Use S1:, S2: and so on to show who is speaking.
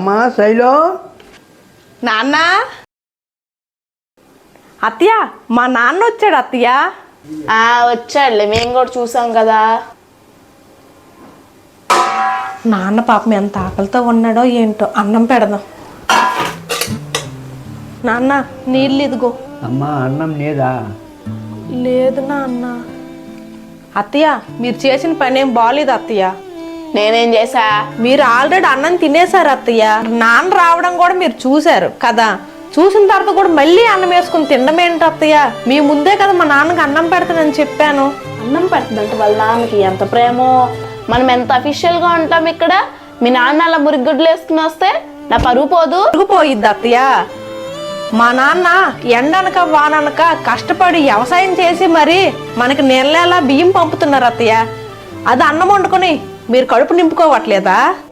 S1: అమ్మా శైలో.
S2: నాన్న, అత్తయ్య మా నాన్న వచ్చాడు అత్తయ్య.
S3: వచ్చాడులే, మేము కూడా చూసాం కదా.
S2: నాన్న పాపం ఎంత ఆకలితో ఉన్నాడో ఏంటో. అన్నం పెడదాం. నాన్న నీళ్ళు ఇదిగో.
S1: అమ్మా అన్నం లేదా?
S2: లేదు నాన్న. అత్తయ్య మీరు చేసిన పని ఏం బాగాలేదు అత్తయ్య.
S3: నేనేం చేసా?
S2: మీరు ఆల్రెడీ అన్నం తినేశారు అత్తయ్య. నాన్న రావడం కూడా మీరు చూశారు కదా. చూసిన తర్వాత కూడా మళ్ళీ అన్నం వేసుకుని తినడం ఏంటి అత్తయ్య? మీ ముందే కదా మా నాన్నకి అన్నం పెడతానని చెప్పాను.
S3: అన్నం పెడుతుందంటే వాళ్ళ నాన్నకి ఎంత ప్రేమో. మనం ఎంత అఫీషియల్ గా ఉంటాం ఇక్కడ. మీ నాన్న అలా మురిగుడ్లు వేసుకుని వస్తే నా పరుగు పోదు?
S2: పోయిద్ది అత్తయ్య. మా నాన్న ఎండనక వాననక కష్టపడి వ్యవసాయం చేసి మరి మనకి నెల నెలా బియ్యం పంపుతున్నారు అత్తయ్య. అది అన్నం వండుకొని మీరు కడుపు నింపుకోవట్లేదా?